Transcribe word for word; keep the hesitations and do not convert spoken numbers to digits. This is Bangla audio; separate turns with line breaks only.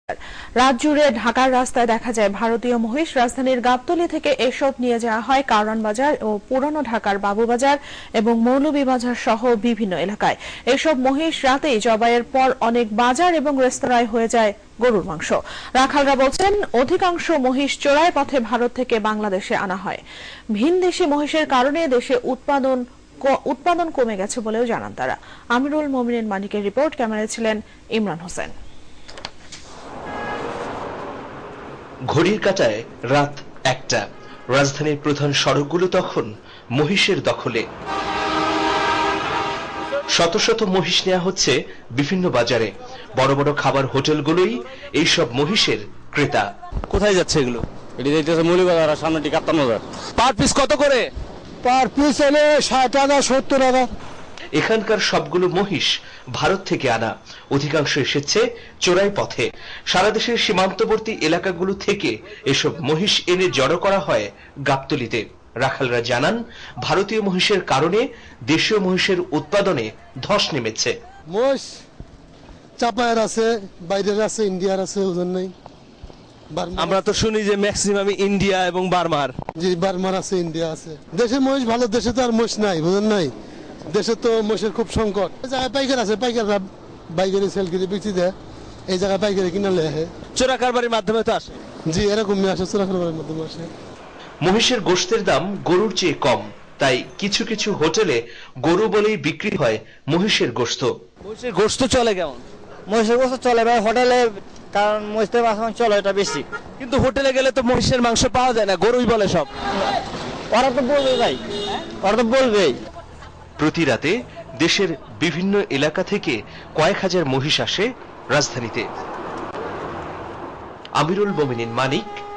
রাত জুড়ে ঢাকার রাস্তায় দেখা যায় ভারতীয় মহিষ। রাজধানীর গাবতলী থেকে এসব নিয়ে যাওয়া হয় কারওয়ান বাজার ও পুরানো ঢাকার বাবুবাজার এবং মৌলভীবাজার সহ বিভিন্ন এলাকায়। এসব মহিষ রাতেই জবাইয়ের পর অনেক বাজার এবং রেস্তোরাঁয় হয়ে যায় গরুর মাংস। রাখালরা বলছেন, অধিকাংশ মহিষ চোরাই পথে ভারত থেকে বাংলাদেশে আনা হয়। ভিনদেশি মহিষের কারণে দেশে উৎপাদন উৎপাদন কমে গেছে বলেও জানান তারা। আমিরুল মোমিনিন মানিকের রিপোর্ট, ক্যামেরায় ছিলেন ইমরান হোসেন।
ঘড়ির কাঁটায় রাত একটা। রাজধানীর প্রধান সড়কগুলো তখন মহিষের দখলে। শত শত মহিষ নেওয়া হচ্ছে বিভিন্ন বাজারে। বড় বড় খাবার হোটেলগুলোই এইসব মহিষের ক্রেতা।
কোথায় যাচ্ছে এগুলো? এটি যাইতেছে মৌলভীবাজার আর সামনেটি কাপ্তান বাজার। পার পিস কত করে?
পার পিস এলে ষাট টাকা সত্তর টাকা।
এখানকার সবগুলো মহিষ ভারত থেকে আনা, অধিকাংশ এসেছে চোরাই পথে। সারা দেশের সীমান্তবর্তী এলাকাগুলো থেকে এসব মহিষ এনে জড়ো করা হয় গাবতলীতে। রাখালরা জানান, ভারতীয় মহিষের কারণে দেশীয় মহিষের উৎপাদনে ধস নেমেছে।
মহিষ চাপায়ের আছে, বাইরের আছে, ইন্ডিয়ার আছে, ওজন নেই।
আমরা তো শুনি যে ম্যাক্সিমাম ইন্ডিয়া এবং বার্মার।
জি, বার্মার আছে, ইন্ডিয়া আছে। দেশে মহিষ ভালো, দেশে তো আর মহিষ নাই, বুঝেন নাই। দেশে তো মহিষের খুব সংকট। এই জায়গায় পাইকার আছে, পাইকাররা বাইকারি সেল করে বিক্রি দেয়, এই জায়গায় পাইকারি কিনা লেহে।
চোরা কারবারির মাধ্যমে তো আসে।
জি, এরকমই আসে, চোরা কারবারির মাধ্যমে আসে।
মহিষের গোশতের দাম গরুর চেয়ে কম, তাই কিছু কিছু হোটেলে গরু বলেই বিক্রি হয় মহিষের গোশত।
মহিষের গোশত চলে কেমন?
মহিষের গোশত চলে ভাই হোটেলে, কারণ মহিষের মাংস চলে এটা বেশি।
কিন্তু হোটেলে গেলে তো মহিষের মাংস পাওয়া যায় না, গরুই বলে সব।
ওরা তো বলবে ভাই, ওরা তো বলবেই।
প্রতি রাতে দেশের বিভিন্ন এলাকা থেকে কয়েক হাজার মহিষ আসে রাজধানীতে। আমিরুল মোমিনিন মানিক,